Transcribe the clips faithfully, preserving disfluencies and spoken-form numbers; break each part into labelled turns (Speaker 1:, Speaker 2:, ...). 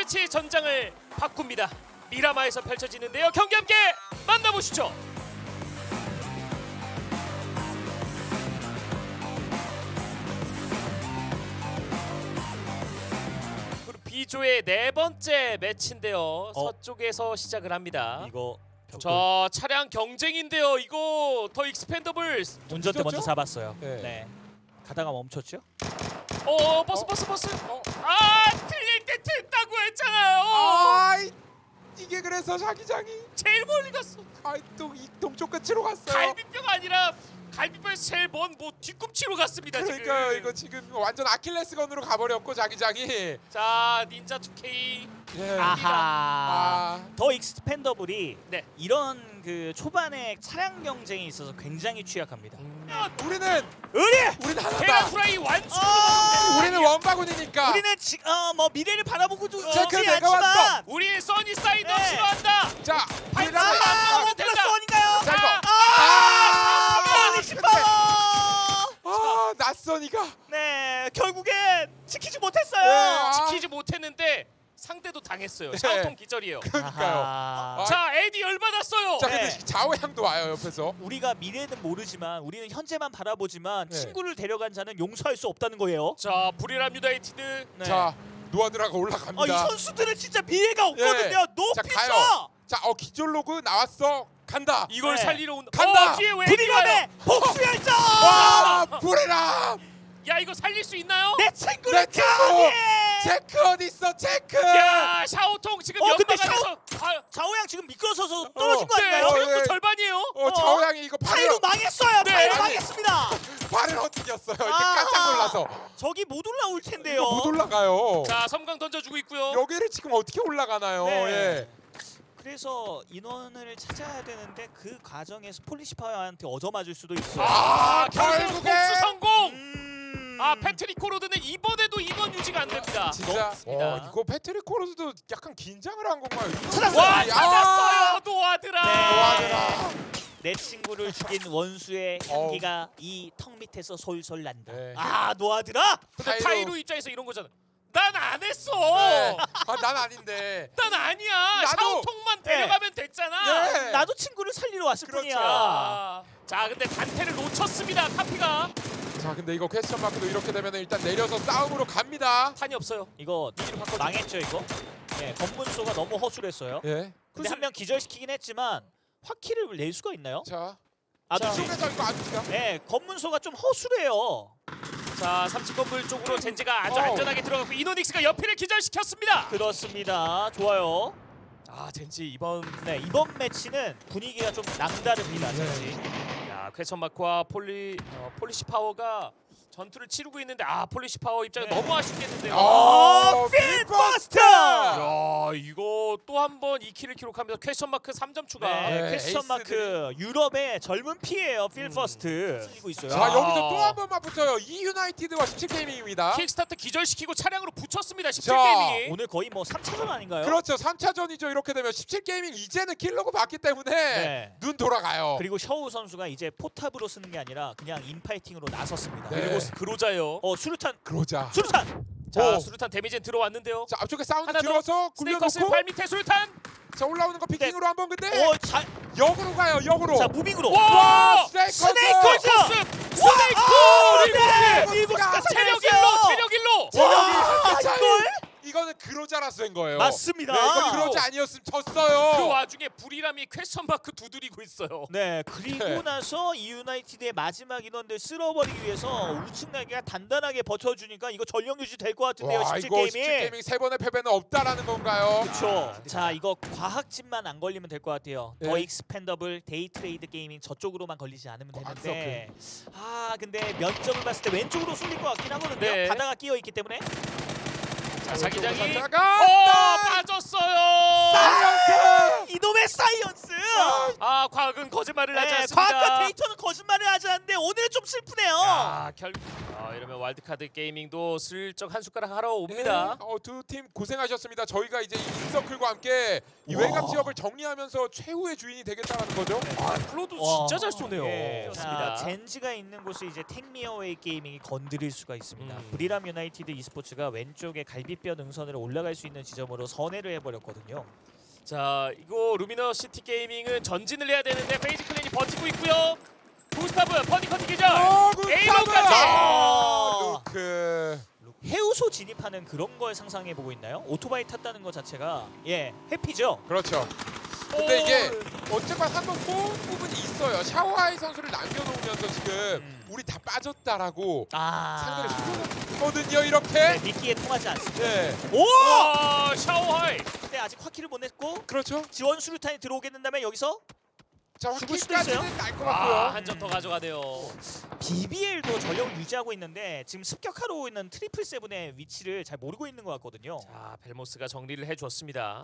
Speaker 1: 매치의 전장을 바꿉니다. 미라마에서 펼쳐지는데요. 경기 함께 만나보시죠. 그리고 B조의 네 번째 매치인데요.
Speaker 2: 어.
Speaker 1: 서쪽에서 시작을 합니다.
Speaker 2: 이거 벽돌.
Speaker 1: 자, 차량 경쟁인데요. 이거 더 익스펜더블.
Speaker 2: 운전대 먼저
Speaker 3: 늦었죠?
Speaker 2: 잡았어요.
Speaker 3: 네.
Speaker 2: 네. 가다가 멈췄죠?
Speaker 1: 어, 버스
Speaker 3: 어?
Speaker 1: 버스 버스.
Speaker 3: 어?
Speaker 1: 아, 틀릴 때 틀다고 했잖아요.
Speaker 3: 아 이게 그래서 자기장이
Speaker 1: 제일 멀리 갔어.
Speaker 3: 아또이 동쪽 끝으로 갔어요.
Speaker 1: 갈비뼈가 아니라 갈비뼈에서 제일 먼 뭐 뒤꿈치로 갔습니다.
Speaker 3: 그러니까
Speaker 1: 지금.
Speaker 3: 이거 지금 완전 아킬레스건으로 가버렸고 자기장이.
Speaker 1: 자, 닌자 투케이.
Speaker 3: 예.
Speaker 2: 아하.
Speaker 3: 아.
Speaker 2: 더 익스펜더블이
Speaker 1: 네.
Speaker 2: 이런 그 초반에 차량 경쟁이 있어서 굉장히 취약합니다.
Speaker 3: 우리는
Speaker 2: 우리
Speaker 3: 우리는
Speaker 1: 계란
Speaker 3: 하나다.
Speaker 1: 후라이 완수.
Speaker 2: 아!
Speaker 3: 우리는 원바군이니까.
Speaker 2: 우리는 지, 어, 뭐 미래를 바라보고 도
Speaker 3: 체크
Speaker 2: 있지
Speaker 3: 내가
Speaker 2: 않지만
Speaker 3: 왔어.
Speaker 1: 우리는 써니사이드
Speaker 2: 네.
Speaker 1: 싫어한다.
Speaker 3: 자,
Speaker 1: 발사!
Speaker 3: 우리는
Speaker 1: 아,
Speaker 2: 아,
Speaker 1: 하면
Speaker 2: 원 플러스
Speaker 1: 된다.
Speaker 2: 원인가요?
Speaker 3: 자, 이거.
Speaker 2: 아,
Speaker 3: 아,
Speaker 2: 폴리시
Speaker 3: 근데-
Speaker 2: 파워.
Speaker 3: 아 낯선이가.
Speaker 2: 네, 결국엔 지키지 못했어요.
Speaker 3: 네, 아.
Speaker 1: 지키지 못했는데 상대도 당했어요. 샤오통 기절이에요.
Speaker 3: 그러니까요.
Speaker 2: 아하.
Speaker 1: 자, 에디 열받았어요.
Speaker 3: 자
Speaker 2: 네.
Speaker 3: 근데 좌우향도 와요 옆에서.
Speaker 2: 우리가 미래는 모르지만 우리는 현재만 바라보지만
Speaker 3: 네.
Speaker 2: 친구를 데려간 자는 용서할 수 없다는 거예요.
Speaker 1: 자, 불이람 유나이티드.
Speaker 2: 네.
Speaker 3: 자 노아드라가
Speaker 2: 아,
Speaker 3: 올라갑니다.
Speaker 2: 이 선수들은 진짜 미래가 없거든요.
Speaker 3: 자
Speaker 2: 높이죠.
Speaker 3: 가요. 자어 기절 로그 나왔어. 간다.
Speaker 1: 이걸
Speaker 2: 네.
Speaker 1: 살리러 온다.
Speaker 3: 간다.
Speaker 1: 어, 뒤에 왜 에디 와요?
Speaker 2: 불이감의 복수 열정.
Speaker 3: 와 불이람.
Speaker 1: 야, 이거 살릴 수 있나요?
Speaker 2: 내 친구를
Speaker 3: 내 친구!
Speaker 2: 강해.
Speaker 3: 체크 어디 있어 체크.
Speaker 1: 야, 샤오통 지금
Speaker 2: 어, 근데
Speaker 1: 연막안에서 아,
Speaker 2: 좌우양 지금 미끄러져서 떨어진 거
Speaker 1: 네,
Speaker 2: 아닌가요?
Speaker 3: 어,
Speaker 1: 체력도
Speaker 3: 네.
Speaker 1: 절반이에요.
Speaker 3: 어 좌우향이 이거
Speaker 2: 파이로
Speaker 3: 발을
Speaker 2: 망했어요.
Speaker 1: 네.
Speaker 2: 파이로
Speaker 3: 아니.
Speaker 2: 망했습니다.
Speaker 3: 발을 헛디뎠어요. 이렇게
Speaker 2: 아.
Speaker 3: 깜짝 놀라서
Speaker 2: 저기 못 올라올 텐데요.
Speaker 3: 이거 못 올라가요.
Speaker 1: 자, 섬광 던져주고 있고요.
Speaker 3: 여기를 지금 어떻게 올라가나요?
Speaker 2: 네.
Speaker 3: 예.
Speaker 2: 그래서 인원을 찾아야 되는데 그 과정에서 폴리시파이어한테 얻어맞을 수도 있어요.
Speaker 1: 아, 결국
Speaker 3: 결국에
Speaker 1: 복수 성공.
Speaker 2: 음...
Speaker 1: 아, 패트릭 코로드는 이번에도 이번 유지가 안 됩니다.
Speaker 3: 진짜
Speaker 1: 없습니다.
Speaker 3: 어, 이거 패트릭 코로스도 약간 긴장을 한 건가요?
Speaker 2: 찾았어요.
Speaker 1: 와,
Speaker 3: 아,
Speaker 1: 찾았어요. 노아드라.
Speaker 2: 네.
Speaker 3: 노아드라.
Speaker 2: 내 친구를 죽인 원수의 향기가 이 턱 밑에서 솔솔 난다.
Speaker 3: 네.
Speaker 2: 아, 노아드라?
Speaker 1: 근데
Speaker 3: 타이로.
Speaker 1: 타이로 입장에서 이런 거잖아. 난 안 했어.
Speaker 3: 네. 아, 난 아닌데.
Speaker 1: 난 아니야.
Speaker 3: 나도.
Speaker 1: 샤오통만 데려가면 됐잖아.
Speaker 3: 예.
Speaker 2: 나도 친구를 살리러 왔을
Speaker 3: 그렇죠.
Speaker 2: 뿐이야.
Speaker 1: 아, 자, 근데 단테를 놓쳤습니다. 카피가.
Speaker 3: 자, 근데 이거 퀘스천 마크도 이렇게 되면 일단 내려서 싸움으로 갑니다.
Speaker 1: 탄이 없어요.
Speaker 2: 이거 망했죠, 이거? 네, 검문소가 너무 허술했어요.
Speaker 3: 예.
Speaker 2: 근데 한 명 기절시키긴 했지만 화키를 낼 수가 있나요?
Speaker 3: 자,
Speaker 2: 아두지.
Speaker 3: 쪽에서 이거 아두지가.
Speaker 2: 네, 검문소가 좀 허술해요.
Speaker 1: 자, 삼 층 건물 쪽으로 젠지가 아주
Speaker 3: 어우.
Speaker 1: 안전하게 들어갔고 이노닉스가 옆이를 기절시켰습니다.
Speaker 2: 그렇습니다. 좋아요.
Speaker 1: 아, 젠지 이번
Speaker 2: 네, 이번 매치는 분위기가 좀 남다릅니다,
Speaker 3: 네.
Speaker 2: 젠지.
Speaker 1: 야, 퀘션 마크와 폴리 어, 폴리시 파워가 전투를 치르고 있는데 아, 폴리시 파워 입장에
Speaker 2: 네.
Speaker 1: 너무 아쉽겠는데요.
Speaker 3: 어,
Speaker 2: 필버스터!
Speaker 1: 야, 이거 또 한 번 이 킬을 기록합니다. 퀘션 마크 삼 점 추가.
Speaker 2: 네,
Speaker 3: 네,
Speaker 2: 퀘스천 마크 유럽의 젊은 피예요. 필퍼스트. 쓰고 있어요.
Speaker 3: 자,
Speaker 1: 아.
Speaker 3: 여기서 또 한 번만 붙어요. 이 유나이티드와 십칠 게이밍입니다.
Speaker 1: 킥스타트 기절시키고 차량으로 붙였습니다. 십칠
Speaker 3: 자,
Speaker 1: 게이밍이.
Speaker 2: 오늘 거의 뭐 삼 차전 아닌가요?
Speaker 3: 그렇죠. 삼 차전이죠. 이렇게 되면 십칠 게이밍 이제는 킬러고 봤기 때문에
Speaker 2: 네.
Speaker 3: 눈 돌아가요.
Speaker 2: 그리고 셔우 선수가 이제 포탑으로 쓰는 게 아니라 그냥 인파이팅으로 나섰습니다.
Speaker 3: 네.
Speaker 1: 그리고 그로자요.
Speaker 2: 어, 수류탄.
Speaker 3: 그러자.
Speaker 2: 수류탄.
Speaker 1: 자,
Speaker 3: 오.
Speaker 1: 수류탄 데미지는 들어왔는데요.
Speaker 3: 자, 앞쪽에 사운드
Speaker 1: 하나 더.
Speaker 3: 들어서
Speaker 1: 스네이커스
Speaker 3: 굴려놓고
Speaker 1: 발 밑에 수류탄.
Speaker 3: 자, 올라오는 거 피킹으로 한번 근데
Speaker 2: 어, 자,
Speaker 3: 역으로 가요. 역으로.
Speaker 2: 자 무빙으로.
Speaker 1: 와!
Speaker 3: 스네이커스.
Speaker 2: 스네이커스!
Speaker 1: 코스!
Speaker 2: 와!
Speaker 1: 스네이크!
Speaker 2: 아,
Speaker 1: 리버스!
Speaker 2: 네! 리버스가
Speaker 1: 체력
Speaker 2: 살려냈어요!
Speaker 1: 일로! 체력 일로!
Speaker 3: 체력이
Speaker 2: 와,
Speaker 3: 한 차이.
Speaker 2: 이걸?
Speaker 3: 이거는 그로자라서 된 거예요.
Speaker 2: 맞습니다.
Speaker 3: 네, 이거 그로자 아니었으면 졌어요.
Speaker 1: 그 와중에 불이람이 퀘션 마크 두드리고 있어요.
Speaker 2: 네, 그리고
Speaker 3: 네.
Speaker 2: 나서 이 유나이티드의 마지막 인원들 쓸어버리기 위해서 우측나기가 단단하게 버텨주니까 이거 전력 유지 될 것 같은데요.
Speaker 3: 와,
Speaker 2: 십칠
Speaker 3: 이거
Speaker 2: 게임이.
Speaker 3: 십칠 게이밍 세 번의 패배는 없다라는 건가요?
Speaker 2: 그렇죠. 자, 이거 과학진만 안 걸리면 될 것 같아요.
Speaker 3: 네.
Speaker 2: 더 익스펜더블, 데이 트레이드 게이밍 저쪽으로만 걸리지 않으면
Speaker 3: 어,
Speaker 2: 되는데. 아, 근데 면적을 봤을 때 왼쪽으로 쏠릴 것 같긴 하거든요.
Speaker 1: 네.
Speaker 2: 바다가 끼어 있기 때문에.
Speaker 1: 자, 자기장이 어,
Speaker 3: 가
Speaker 1: 빠졌어요.
Speaker 3: 사이언스!
Speaker 2: 이놈의 사이언스!
Speaker 1: 아, 과학은 거짓말을 하지
Speaker 2: 네,
Speaker 1: 않습니다.
Speaker 2: 과학과 데이터는 거짓말을 하지 않는데 오늘은 좀 슬프네요.
Speaker 1: 야, 결 아, 이러면 와일드카드 게이밍도 슬쩍 한 숟가락 하러 옵니다.
Speaker 3: 어, 두 팀 고생하셨습니다. 저희가 이제 인서클과 함께 이
Speaker 1: 와.
Speaker 3: 외곽 지역을 정리하면서 최후의 주인이 되겠다는 거죠.
Speaker 1: 아, 플로도
Speaker 2: 와.
Speaker 1: 진짜 잘 쏘네요.
Speaker 2: 예,
Speaker 1: 좋습니다.
Speaker 2: 자, 젠지가 있는 곳을 이제 택미어웨이 게이밍이 건드릴 수가 있습니다.
Speaker 1: 음.
Speaker 2: 브리람 유나이티드 e스포츠가 왼쪽에 갈비뼈 능선으로 올라갈 수 있는 지점으로 선회를 해버렸거든요.
Speaker 1: 자, 이거 루미너 시티 게이밍은 전진을 해야 되는데 페이지 클랜이 버티고 있고요. 구스타브 버디 커팅 기절.
Speaker 3: 어,
Speaker 1: 에이로까지!
Speaker 2: 아!
Speaker 3: 루크.
Speaker 2: 해우소 진입하는 그런 걸 상상해 보고 있나요? 오토바이 탔다는 것 자체가 예 해피죠.
Speaker 3: 그렇죠. 근데 이게 어쨌건 한번 뽑은 부분이 있어요. 샤오하이 선수를 남겨놓으면서 지금
Speaker 2: 음.
Speaker 3: 우리 다 빠졌다라고
Speaker 2: 아
Speaker 3: 상대를 속였거든요. 이렇게.
Speaker 2: 네, 미끼에 통하지 않습니다.
Speaker 3: 네.
Speaker 2: 오!
Speaker 1: 와, 샤오하이.
Speaker 2: 근데 아직 화키를 못 냈고
Speaker 3: 그렇죠.
Speaker 2: 지원 수류탄이 들어오게 된다면 여기서
Speaker 3: 자,
Speaker 2: 죽을 수도
Speaker 3: 확실까지는 날 것 같고요.
Speaker 1: 아, 한 점 더 가져가네요.
Speaker 2: 비비엘도 전력을 유지하고 있는데 지금 습격하러 있는 트리플 세븐의 위치를 잘 모르고 있는 것 같거든요.
Speaker 1: 자, 벨모스가 정리를 해줬습니다.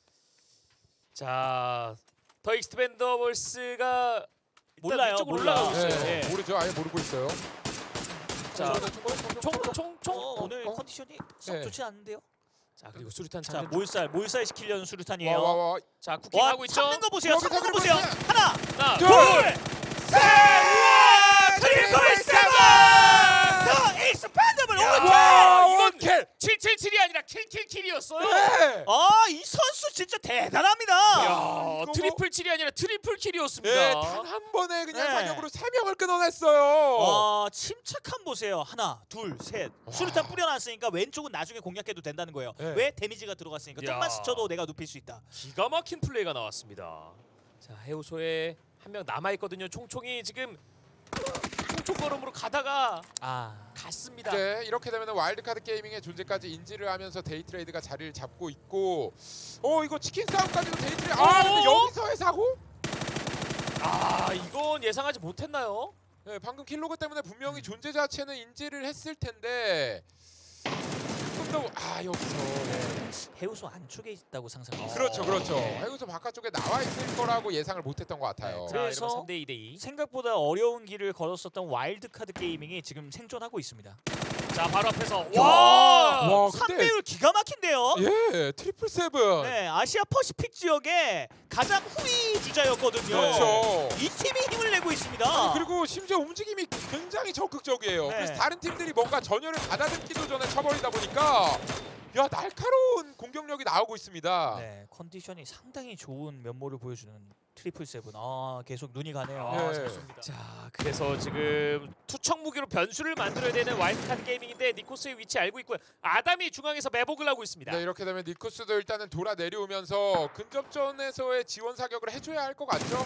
Speaker 1: 자, 더 익스펜더블스가
Speaker 2: 몰라요,
Speaker 1: 위쪽으로
Speaker 2: 몰라.
Speaker 1: 올라가고 있어요.
Speaker 3: 네,
Speaker 1: 예.
Speaker 3: 모르죠. 아예 모르고 있어요.
Speaker 1: 자,
Speaker 3: 총,
Speaker 1: 총총총.
Speaker 2: 어, 오늘
Speaker 3: 어?
Speaker 2: 컨디션이 썩
Speaker 3: 네.
Speaker 2: 좋지 않은데요?
Speaker 1: 자, 그리고 수류탄
Speaker 2: 자
Speaker 1: 찾는.
Speaker 2: 몰살 몰살 시키려는 수류탄이에요.
Speaker 3: 와, 와, 와.
Speaker 1: 자, 쿠킹
Speaker 2: 와
Speaker 1: 하고 있죠.
Speaker 2: 참는 거 보세요.
Speaker 3: 여기서
Speaker 2: 참는 거
Speaker 3: 그리고
Speaker 2: 보세요.
Speaker 3: 있어요.
Speaker 2: 하나
Speaker 1: 하나,
Speaker 3: 둘,
Speaker 2: 둘
Speaker 1: 셋!
Speaker 2: 트리플 세븐 더 익스펜더블
Speaker 1: 야,
Speaker 2: 오케이.
Speaker 1: 와, 이건
Speaker 3: 킬.
Speaker 1: 칠칠칠이 아니라 킬킬킬이었어요.
Speaker 3: 네.
Speaker 2: 아이 선수 진짜 대단합니다.
Speaker 1: 야,
Speaker 3: 이거
Speaker 1: 트리플 킬이 아니라 트리플 킬이었습니다.
Speaker 3: 네, 단 한 번에 그냥
Speaker 2: 네.
Speaker 3: 사격으로 세 명을 끊어냈어요.
Speaker 2: 아 침착함 보세요. 하나, 둘, 셋.
Speaker 3: 와.
Speaker 2: 수류탄 뿌려놨으니까 왼쪽은 나중에 공략해도 된다는 거예요.
Speaker 3: 네.
Speaker 2: 왜? 데미지가 들어갔으니까.
Speaker 1: 야.
Speaker 2: 좀만 스쳐도 내가 눕힐 수 있다.
Speaker 1: 기가 막힌 플레이가 나왔습니다. 자, 해우소에 한 명 남아 있거든요. 총총이 지금 총총 걸음으로 가다가
Speaker 2: 아
Speaker 1: 갔습니다.
Speaker 3: 네, 이렇게 되면 와일드카드 게이밍의 존재까지 인지를 하면서 데이트레이드가 자리를 잡고 있고, 어 이거 치킨 싸움까지도 데이트레이드. 아 근데
Speaker 1: 어?
Speaker 3: 여기서의 사고?
Speaker 1: 아, 이건 예상하지 못했나요?
Speaker 3: 네, 방금 킬로그 때문에 분명히 존재 자체는 인지를 했을 텐데 조금 더 아 여기서 네.
Speaker 2: 해우소 안쪽에 있다고 상상해요.
Speaker 3: 그렇죠, 그렇죠.
Speaker 2: 네.
Speaker 3: 여기서 바깥쪽에 나와 있을 거라고 예상을 못했던 것 같아요.
Speaker 2: 네,
Speaker 1: 자,
Speaker 2: 그래서
Speaker 1: 이러면 삼 대 이 대 이.
Speaker 2: 생각보다 어려운 길을 걸었었던 와일드카드 게이밍이 지금 생존하고 있습니다.
Speaker 1: 자, 바로 앞에서
Speaker 2: 야!
Speaker 1: 와!
Speaker 3: 와,
Speaker 2: 삼
Speaker 3: 근데
Speaker 2: 배율 기가 막힌데요.
Speaker 3: 예, 트리플 세븐.
Speaker 2: 네, 아시아 퍼시픽 지역의 가장 후위 주자였거든요.
Speaker 3: 그렇죠.
Speaker 2: 이 팀이 힘을 내고 있습니다.
Speaker 3: 아니, 그리고 심지어 움직임이 굉장히 적극적이에요.
Speaker 2: 네.
Speaker 3: 그래서 다른 팀들이 뭔가 전열을 가다듬기도 전에 쳐버리다 보니까 야 날카로운 공격력이 나오고 있습니다.
Speaker 2: 네, 컨디션이 상당히 좋은 면모를 보여주는 트리플 세븐. 아, 계속 눈이 가네요.
Speaker 1: 아,
Speaker 3: 네.
Speaker 1: 잘 쏩니다. 자, 그래서 지금 투척 무기로 변수를 만들어야 되는 와일드카드 게이밍인데 니코스의 위치 알고 있고요. 아담이 중앙에서 매복을 하고 있습니다.
Speaker 3: 네, 이렇게 되면 니쿠스도 일단은 돌아 내려오면서 근접전에서의 지원 사격을 해줘야 할 것 같죠?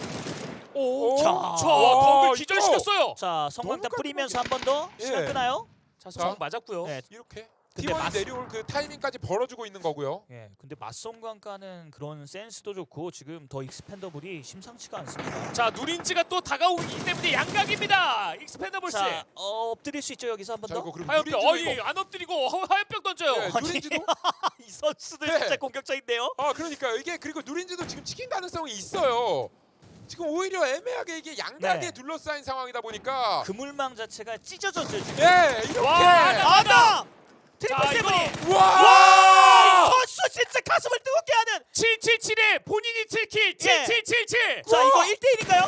Speaker 1: 오,
Speaker 3: 자,
Speaker 1: 자,
Speaker 3: 와,
Speaker 1: 덕을 기절시켰어요.
Speaker 2: 자, 성광탄
Speaker 3: 너무
Speaker 2: 뿌리면서 한 번 더
Speaker 3: 예.
Speaker 2: 시간 끄나요?
Speaker 1: 자, 성 맞았고요.
Speaker 2: 네.
Speaker 3: 이렇게
Speaker 2: 근데
Speaker 3: 팀원이
Speaker 2: 맞-
Speaker 3: 내려올 그 타이밍까지 벌어주고 있는 거고요.
Speaker 2: 예, 근데 맞성광가는 그런 센스도 좋고 지금 더 익스펜더블이 심상치가 않습니다.
Speaker 1: 자, 누린지가 또 다가오기 때문에 양각입니다. 익스펜더블스.
Speaker 2: 자, 어, 엎드릴 수 있죠 여기서 한 번
Speaker 3: 자
Speaker 2: 더?
Speaker 3: 이거 그리고
Speaker 1: 하얀병,
Speaker 3: 누린지도
Speaker 1: 어이,
Speaker 3: 이거-
Speaker 1: 안 엎드리고 허- 하얀병 던져요.
Speaker 3: 네,
Speaker 2: 아니,
Speaker 3: 누린지도
Speaker 2: 이 선수들
Speaker 3: 네.
Speaker 2: 진짜 공격적인데요.
Speaker 3: 아 그러니까 이게 그리고 누린지도 지금 치킨 가능성이 있어요. 지금 오히려 애매하게 이게 양각에
Speaker 2: 네.
Speaker 3: 둘러싸인 상황이다 보니까
Speaker 2: 그물망 자체가 찢어졌죠 지금.
Speaker 3: 예 이렇게
Speaker 1: 와, 하나,
Speaker 2: 아담! 트리플
Speaker 1: 자,
Speaker 2: 세븐이!
Speaker 3: 와!
Speaker 2: 와! 이 선수 진짜 가슴을 뜨겁게 하는!
Speaker 1: 칠칠칠에 본인이 칠 킬. 칠칠칠칠.
Speaker 2: 자,
Speaker 3: 우와!
Speaker 2: 이거 일 대 일인가요?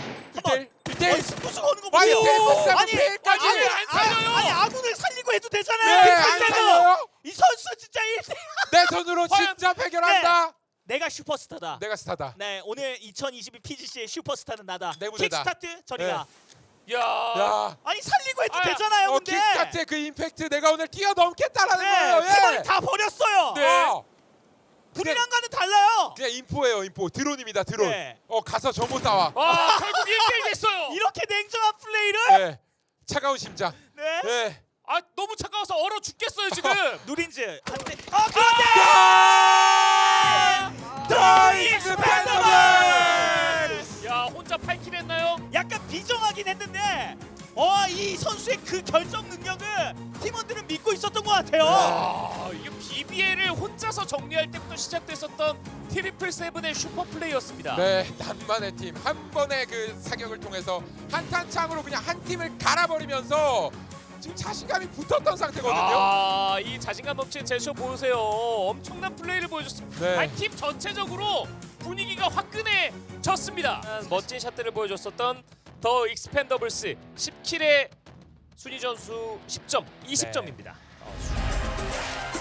Speaker 3: 일 대
Speaker 2: 어이,
Speaker 3: 일
Speaker 2: 스포츠가 오는 거
Speaker 3: 와이
Speaker 2: 보세요.
Speaker 3: 세븐
Speaker 2: 아니,
Speaker 3: 세븐까지
Speaker 2: 아니,
Speaker 1: 안 살려요.
Speaker 2: 아니, 아군을 살리고 해도
Speaker 3: 네,
Speaker 2: 되잖아요.
Speaker 3: 안
Speaker 2: 트리플 세븐!
Speaker 3: 살려요.
Speaker 2: 이 선수 진짜 일 대
Speaker 3: 내 손으로
Speaker 1: 화염-
Speaker 3: 진짜 해결한다.
Speaker 2: 내가 슈퍼스타다.
Speaker 3: 내가 스타다.
Speaker 2: 네, 오늘 이천이십이 피지씨의 슈퍼스타는 나다.
Speaker 3: 내 무대다.
Speaker 2: 킥스타트 저리가.
Speaker 1: 야.
Speaker 3: 야,
Speaker 2: 아니 살리고 해도
Speaker 1: 아,
Speaker 2: 되잖아요.
Speaker 3: 어,
Speaker 2: 근데.
Speaker 3: 킥스타트의 그 임팩트 내가 오늘 뛰어넘겠다라는
Speaker 2: 네,
Speaker 3: 거예요. 예.
Speaker 2: 팀원이 다 버렸어요.
Speaker 1: 네.
Speaker 3: 어,
Speaker 2: 불이랑과는 달라요.
Speaker 3: 그냥 인포예요, 인포. 드론입니다, 드론.
Speaker 2: 네.
Speaker 3: 어, 가서 정보 따와.
Speaker 1: 와, 결국 일 대 일 됐어요.
Speaker 2: 이렇게 냉정한 플레이를.
Speaker 3: 예. 차가운 심장.
Speaker 2: 네.
Speaker 3: 예.
Speaker 1: 아, 너무 차가워서 얼어 죽겠어요, 지금.
Speaker 2: 누린즈 한대. 아, 그런데.
Speaker 3: 더
Speaker 2: 익스펜더블!
Speaker 1: 야, 혼자 팔 킬 했나요?
Speaker 2: 약간 비정하긴 했는데 어, 이 선수의 그 결정 능력은 팀원들은 믿고 있었던 것 같아요.
Speaker 1: 와, 이게 비비엘을 혼자서 정리할 때부터 시작됐었던 트리플 세븐의 슈퍼 플레이였습니다.
Speaker 3: 네, 남만의 팀 한 번의 그 사격을 통해서 한탄창으로 그냥 한 팀을 갈아버리면서 지금 자신감이 붙었던 상태거든요.
Speaker 1: 아, 이 자신감 넘치는 제스처 보세요. 엄청난 플레이를 보여줬습니다.
Speaker 3: 네.
Speaker 1: 아니, 팀 전체적으로 분위기가 화끈해졌습니다. 멋진 샷들을 보여줬었던 더 익스펜더블스 십 킬의 순위 점수 십 점, 이십 점입니다.
Speaker 2: 네.